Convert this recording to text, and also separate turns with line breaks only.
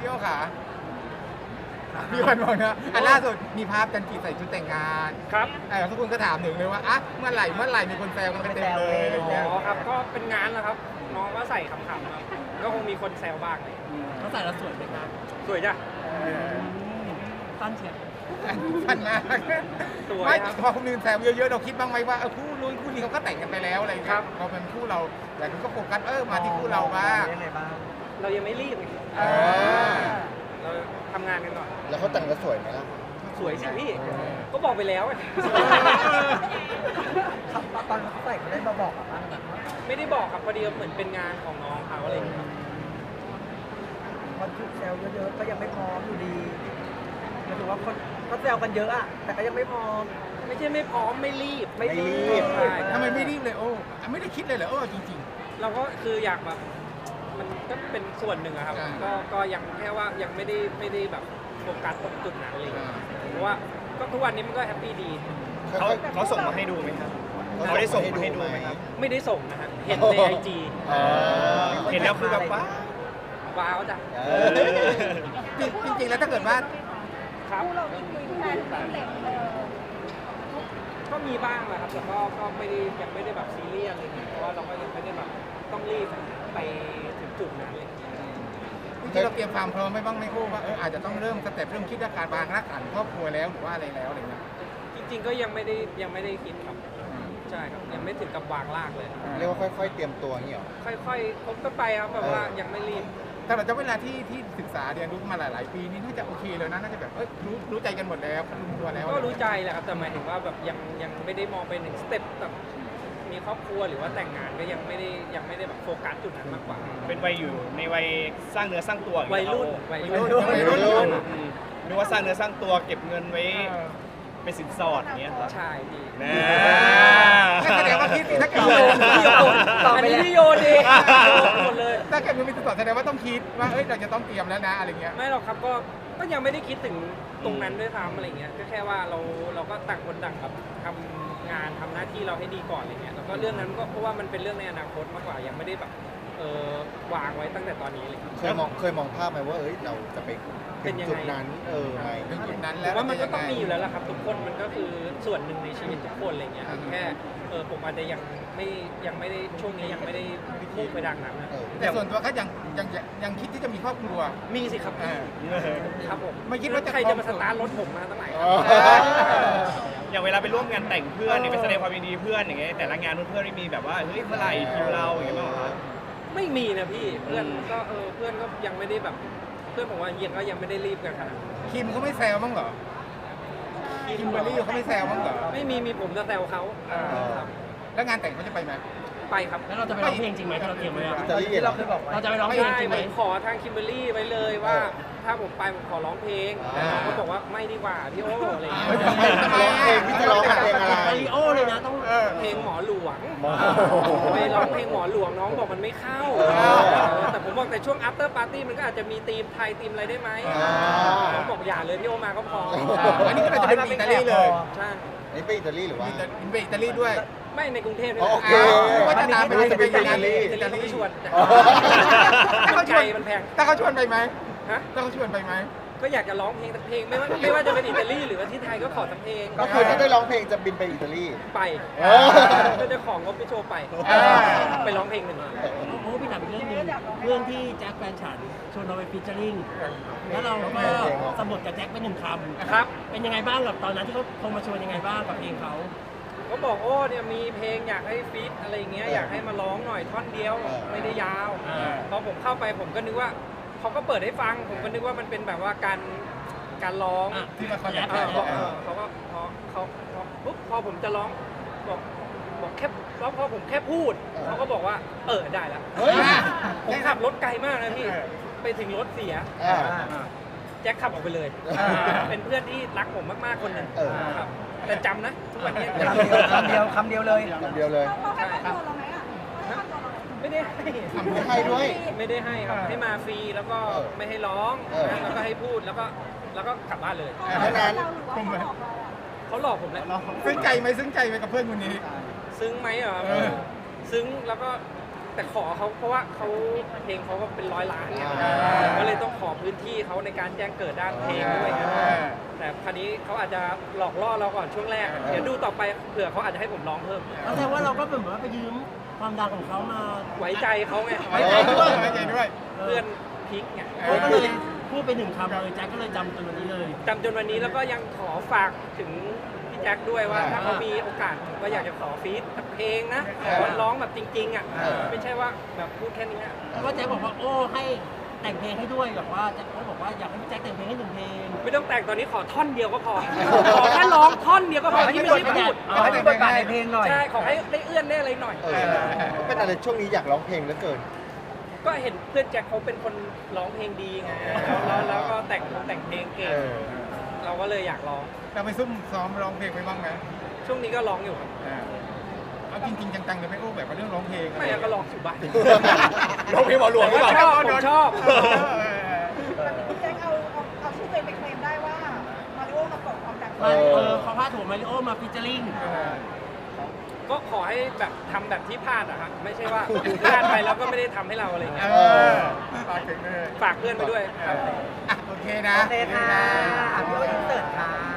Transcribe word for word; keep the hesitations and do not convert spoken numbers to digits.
พี่โอขาพี่วันบอกนะอันล่าสุดมีภาพกันกีใส่ชุดแต่งงาน
ครับ
เออทุกคนก็ถามหนึ่งเลยว่าอ่ะเมื่อไหร่เมื่อไหร่มีคนแซวกันเต็มเลยอะไร
อ๋
เงี้ย
อครับก็เป็นงานแล้วครับ น้องก็ใส่ขำๆครับก็คงมีคนแซวบ้างเลย
เขาใส่แล้วสวยไหมครับ
สวยจ้ะ
สั้นเชียว
พันมาก
สวย
ไม่
ครับ
พอคนอื่นแซวเยอะๆเราคิดบ้างไหมว่าเออคู่นู้นคู่นี้เขาก็แต่งกันไปแล้วอะไรเงี้
ครั
ย
บ
พอเป็นคู่เราแต่คุณก็โฟกัสเออมาที่คู่เราบ้าง
ยังไงบ้าง
เรายังไม่รีบไง
เออ
เราทำงานกันก่อน
แล้วเขาแต่งกันสวยไหมล่ะ
สวยสิพี่ ก็บอกไปแล้วอะ
ตอนเขาใส่เขาได้มาบอกกับบ้างแบบว่า
ไม่ได้บอกครับพอดีเหมือนเป็นงานของน้องเขาอะไรอย่างเงี้ยครับ
คนถูกแซวเยอะๆก็ยังไม่พร้อมอยู่ดีหมายถึงว่าคนเขาแซวกันเยอะอะแต่ก็ยังไม่พร้อม
ไม่ใช่ไม่พร้อมไม่รีบ
ไม่รีบ
ใช่
ทำไมไม่รีบเลยโอ้ไม่ได้คิดเลยเหรอโอ้จริง
เราก็คืออยากแบบมันก็เป็นส่วนหนึ่งอะครับ
อ่า
ก็ก็ยังแค่ว่ายังไม่ได้ไม่ได้แบบโฟกัสตรงจุดนั้นเลย
อ่า
เพราะว่าก็ทุกวันนี้มันก็แฮปปี้ดี
เขาเขาส่งมาให้ดูไหมครับเขาได้ส่งมาให้ดูไหมครับ
ไม่ได้ส่งนะฮะเห็นในไอจี
เห็นแล้วคือแบบว่า
ว้าวจ้ะ
เออ
ๆจริงจริงๆแล้วถ้าเกิดว่า
ครับ
เรามีคุยกันเล็กเลย
ก็มีบ้างแหละครับแต่ก็ก็ไม่ได้ยังไม่ได้แบบซีเรียสอะไรเงี้ยเพราะว่าเราก็ยังไม่ได้แบบต้องรีบไปถึงจุดนั้นเลย
จริงๆเราเตรียมความพร้อมไว้บ้างไหมโอ้ว่าเอออาจจะต้องเริ่มสเต็ปเริ่มคิดเรื่องการวางรากฐานครอบครัวแล้วหรือว่าอะไรแล้วอะไรเงี้ย
จริงๆก็ยังไม่ได้ยังไม่ได้คิดครับใช่ครับยังไม่ถึงกับวางรากเลย
เรียกว่าค่อยๆ เตรียมตัวอย่างนี้เหรอ
ค่อยๆคบกันไปครับแบบว่ายังไม่รีบ
แต่เราจะเวลาที่ที่ศึกษาเรียนรู้มาหลาย ๆ ปีนี่น่าจะโอเคเลยนะน่าจะแบบเอ้ยรู้รู้ใจกันหมดแล้วรู้ตัวแล้ว
ก็รู้ใจแหละครับแต่หมายถึงว่าแบบยังยังไม่ได้มองไปหนึ่งสเต็ปแบบมีครอบครัวหรือว่าแต่งงานก็ยังไม่ได้ยังไม่ได้แบบโฟกัสจุดนั้นมากกว่า
เป็นวัยอยู่ในวัยสร้างเนื้อสร้างตัวอาง
วัย
เงี้
รุ่น
คบ
วัย
วัย
รุ่
รุ่
น
นวัยรุ่น
อืมหรือว่าสร้างเนื้อสร้างตัวเก็บเงินไว้
เออ
เป็นสินสอดอย่างเงี้ยครับ
ใช่พี่
นะ
งั้นแสดงว่าคิดสิถ้าเกิด
พี่โยนพี่โยน
ต่อ
อัน
ไป
นี้
แล้ว
พี่โยนเองหมดเลย
ถ้าเกิดมันมีตัวแสดงว่าต้องคิดว่าเอ้ยเราจะต้องเตรียมแล้วนะอะไรเงี้ย
ไม่หรอกครับก็ก็ยังไม่ได้คิดถึงตรงนั้นด้วยซ้ำอะไรเงี้ยก็แค่ว่าเราเราก็ต่างคนต่างแบบทำงานทำหน้าที่เราให้ดีก่อนอะไรเงี้ยแล้วก็เรื่องนั้นก็เพราะว่ามันเป็นเรื่องในอนาคตมากกว่ายังไม่ได้แบบเออวางไว้ตั้งแต่ตอนนี้เลย
เคยมองเคยมองภาพไหมว่าเอ้ยเราจะไป
เป็
ถึ
น
ง
ยังไง
จุดนั้น เออไหม
ถึงจุดนั้น
ผ
แล้ว
มว่ามันก็
จะ
ต้อง
ยัไ
มีอยู่แล้วล่ะครับทุกคนมันก็คือส่วนหนึ่งในชีวิตทุกคนอะไรเงี้ย
อืม
แค่เออผมอาจจะยังไม่ยังไม่ได้ช่วงนี้ยังไม่ได้มุ่งไปดังนั้นนะ
เออ
แต่ส่วนตัวก็ยังยังยังยังคิดที่จะมีครอบครัว
มีสิครับ
อ่า
ครับผม
ไม่คิดว่าจะ
ใครจะมาสตาร์ทรถผมมาตั้งไหนค
อ๋
รั
อ
บ
อย่างเวลาไปร่วมงานแต่งเพื่อนเนี่ยไปแสดงความยินดีเพื่อนอย่างเงี้ยแต่ละงานเพื่อนๆไม่มีแบบว่าเฮ้ยเมื่อไหร่คิวเราอย่างเงี้ยบ้างเหรอครับ
ไม่มีนะพี่เพื่อน
อืม
ก็เออเพื่อนก็ยังไม่ได้แบบเพื่อนผมว่ายังก็ยังไม่ได้รีบกันขนาดนั้น
คิมเขาไม่แซวมั้างเหรอคิมเบอร์รี่เขาไม่แซวมั้างเหรอ
ไม่มีมีผมจะแซวเขา
อ่า
ครับ
แล้วงานแต่งเขาจะไปไหม
ไปครับ
แล้วเราจะไปร้องเพลงจริงไหมที่เราเตรียมไว้อะ
อิตาลี
ที่
เหร
เรา
อ
เคยบอกไว้เราจะไปร้อง
ไม่
เพลง
ได้
จริงไห
ผม มขอทางคิมเบอร์รี่ไว้เลยว่า ถ้าผมไปผมขอร้องเพลง
อ่า
เขาบอกว่าไม่ดีกว่าพี่โอ้อะไรอย่างเงี้ย
ทำไม
ร้องเพลงพี่จะร้องเพลงอะไร
มาริโอเลยนะต้อง
เออ
เพลงหมอหลวง
หมอ
ไปร้องเพลงหมอหลวงน้องบอกมันไม่เข้า
เออ
แต่ผมบอกแต่ช่วง after party มันก็อาจจะมีธีมไทยธีมอะไรได้ไหม
อ่า
ผมบอกอย่าเลยพี่โอมาก็พอ
อันนี้ก็เราจะเป็นอิตาลีเลย
ใช่
อันนี้ไปอิตาลีหรือว่า
อินไปอิตาลีด้วย
ไม่ในกรุงเทพนี่
อ๋อโอเค
ว่าจะตามไป
จะไปอิตาลี
อิตาลีเขาไม่ชวน
อ๋อ
ถ้า
มั
เขา
น
ช
ไกล
วน
มันแพง
ถ้าเขาชวนไปไหม
ฮะ
ถ้าเขาชวนไปไหม
ก็อยากจะร้องเพลงสักเพลงไม่ว่าไม่ว่าจะเป็นอิตาลีหรือว่าที่ไทยก็ขอสักเพลง
ก็คือถ้าได้ร้องเพลงจะบินไปอิตาลี
ไป
เออ
ก็จะของงบไปโชว์ไป
อ่า
ไปร้องเพลงหนึ่ง
โอ้พี่ถามอีกเรื่องหนึงเรื่องที่แจ็คแฟนฉันชวนเราไปฟีเจอริ่งแล้วเราก็สมบทกับแจ็คไปหนึ่งคำ
ครับ
เป็นยังไงบ้างกับตอนนั้นที่เขาโทรมาชวนยังไงบ้างกับเพลงเขา
ก็บอกโอ้เนี่ยมีเพลงอยากให้ฟีดอะไรอย่างเงี้ย
เออ
อยากให้มาร้องหน่อยท่อนเดียว
เออ
ไม่ได้ยาว
อ่า
พอผมเข้าไปผมก็นึกว่าเขาก็เปิดให้ฟัง ผมก็นึกว่ามันเป็นแบบว่าการการร้อง
อ่ะ
ที่มาคอนแทค
เออบอกเออเขาก็พอเขาพอปุ๊บพอผมจะร้องบอกบอกแค่แล้วพอผมแค่พูดเขาก็บอกว่า เออได้ละ
เฮ้ย
ผมขับรถไกลมากนะพี่
เออ
ไปถึงรถเสีย
อ่า
แจ็คขับออกไปเลย
อ่า
เป็นเพื่อนที่รักผมมากๆคนหนึ่ง
เออ
ครับแต่จำนะทุกวันนี้
คำเดียวคำเดียวคำเดียวเลย
คำเดียวเลย
เขาให้ค่าตัวเราไหมอ่ะเขาให้ค่าตัวเราไหม
ไม่ได้ให้
ทำให้ด้วย
ไม่ได้ให้ครับ
เออ
ให้มาฟรีแล้วก็
เออ
ไม่ให้ร้อง
เออ
นะแล้วก็ให้พูดแล้วก็แล้วก็กลับบ้านเลย
เท่านั้น
เราหรือว่าเขาบอกเราอ่ะ
เขาหลอกผมแหละ
ซึ้งใจไหมซึ้งใจไหมกับเพื่อนคนนี้
ซึ้งไหมเหรอ
เออ
ซึ้งแล้วก็แต่ขอเขาเพราะว่าเขาเพลงเขาก็เป็นร้อยล้านเนี่ย
อ่า
ก็เลยต้องขอพื้นที่เขาในการแจ้งเกิดด้านเพลงด้วยนะ
เออ
แต่คราวนี้เขาอาจจะหลอกล่อเราก่อนช่วงแรก เดี๋ยวดูต่อไปเผื่อเขาอาจจะให้ผมร้องเพิ่ม
แสดงว่าเราก็เหมือนว่าไปยืมความดังของเขามา
ไว้ใจเขาไง
ไว้ใจด้วยไว้ใจด้วย
เพื่อนพิกไง
เออ
ก็เลยพูดไปหนึ่งคำเลยแจ็คก็เลยจำจนวันนี้เลย
จำจนวันนี้แล้วก็ยังขอฝากถึงพี่แจ็คด้วยว่า ถ้าเขามีโอกาสผมก็อยากจะขอฟีดสักเพลงนะขอร้องแบบจริงๆอ่ะ
เออ
ไม่ใช่ว่าแบบพูดแค่นี้อะ
แล้วก็แจ็คบอกว่าโอ้ให้แต่งเพลงให้ด้วยแบบว่าแจ็คเขาบอกว่าอยากให้พี่แจ็คแต่งเพลงให้หนึ่งเพลง
ไม่ต้องแต่งตอนนี้ขอท่อนเดียวก็พอ ขอแค่ร้องท่อนเดียวก็พอที่ไม่ใช่พูด
เอาให้มีบทบาทในเพลงหน่อย
ใช่ขอให้ได้เอื้อนได้อะไรหน่อย
เออเป็นอะไรช่วงนี้อยากร้องเพลงเหลือเกิน
ก็เห็นเพื่อนแจ็คเขาเป็นคนร้องเพลงดีไงแล้วแล้วแล้วก็แต่งแต่งเพลงเก่ง
เออ
เราก็เลยอยากร้อง
เราไปซุ่มซ้อมร้องเพลงไปบ้างไหม
ช่วงนี้ก็ร้องอยู่ครับ
เออเอาจริงๆจังๆเลยไหม่โอ้แบบว่าเรื่องร้องเพลง
ไม่งั้นก็ร้องอยู่บ้าน
ร้องเพลงหมอหลวงหรือเปล่า
ชอบผมชอบ
เออเออ
พี่แจ็คเอาเอาเอาชื่อตัวเองไปเคลมได้ว่ามาริโอมาเกาะความดัง
มาเออเขาพาดหัวมาริโอมาฟิชเจอริง
เออ
ก็ขอให้แบบทำแบบที่พลาดอะครับไม่ใช่ว่าพลาดไปแล้วก็ไม่ได้ทำให้เราอะไรเงี้ย
เออฝากถึงเลย
ฝากเพื่อนไปด้วย
เอออ่ะโอเคนะ
โอเคค่ะพี่โออินเสิร์ตค่ะ